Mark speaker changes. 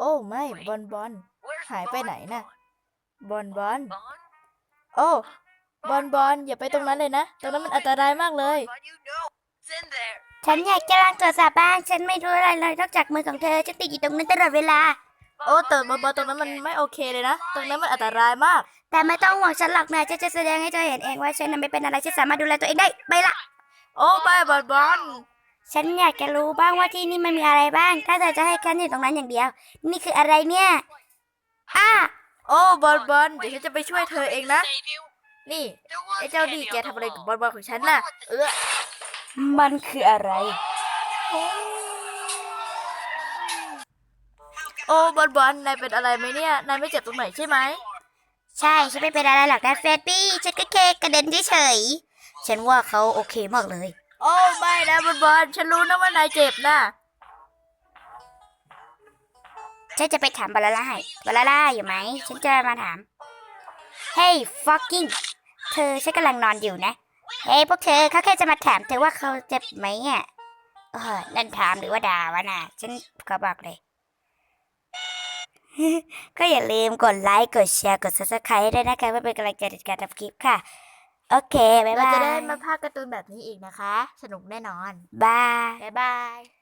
Speaker 1: โอ้ไม่บอลบอลหายไปไหนน่ะบอลบอลโอ้บอลบอลอย่าไปตรงนั้นเลยนะตรงนั้นมันอันตรายมากเลย
Speaker 2: ฉันอยากจะลองตรวจสอบบ้างฉันไม่รู้อะไรเลยนอกจากมือของเธอฉันติดอยู่ตรงนั้นตลอดเวลา
Speaker 1: โอ้แต่บอลบอลตรงนั้นมันไม่โอเคเลยนะตรงนั้นมันอันตรายมาก
Speaker 2: แต่ไม่ต้องห่วงฉันหรอกนะฉันจะแสดงให้เธอเห็นเองว่าฉันนั้นไม่เป็นอะไรฉันสามารถดูแลตัวเองได้ไปละ
Speaker 1: โอ้ไม่บอลบอล
Speaker 2: ฉันอยากจะรู้บ้างว่าที่นี่มันมีอะไรบ้างถ้าเธอจะให้ฉันอยู่ตรงนั้นอย่างเดียวนี่คืออะไรเนี่ยอ้า
Speaker 1: โอ้บอลบอลเดี๋ยวฉันจะไปช่วยเธอเองนะนี่ไอ้เจ้านี่แกทำอะไรกับบอลบอลของฉันน่ะ
Speaker 2: มันคืออะไร
Speaker 1: โอ้บอลบอลนายเป็นอะไรไหมเนี่ยนายไม่เจ็บตรงไหนใช่ไหม
Speaker 2: ใช่ฉันไม่เป็นอะไรหรอกนะเฟรดดี้ฉันก็แค่กระเด็นเฉยๆฉันว่าเขาโอเคมากเลย
Speaker 1: โอ้ไม่นะบอลบอลฉันรู้นะว่านายเจ็บนะ
Speaker 2: ฉันจะไปถามบาลาล่าให้บาลาล่าอยู่ไหมฉันจะมาถาม Hey fucking เธอฉันกำลังนอนอยู่นะเฮ้ยพวกเธอเขาแค่จะมาถามเธอว่าเขาเจ็บไหมอ่ะนั่นถามหรือว่าด่าวะน่ะฉันก็บอกเลย ก็อย่าลืมกดไลค์กดแชร์กด subscribe ด้วยนะคะเพื่อเป็นกำลังใจในการทำคลิปค่ะโอเคบ๊าย
Speaker 1: เรา
Speaker 2: บา
Speaker 1: จะได้
Speaker 2: ย
Speaker 1: มาพากย์การ์ตูนแบบนี้อีกนะคะสนุกแน่นอน
Speaker 2: บาย
Speaker 1: บ๊ายบาย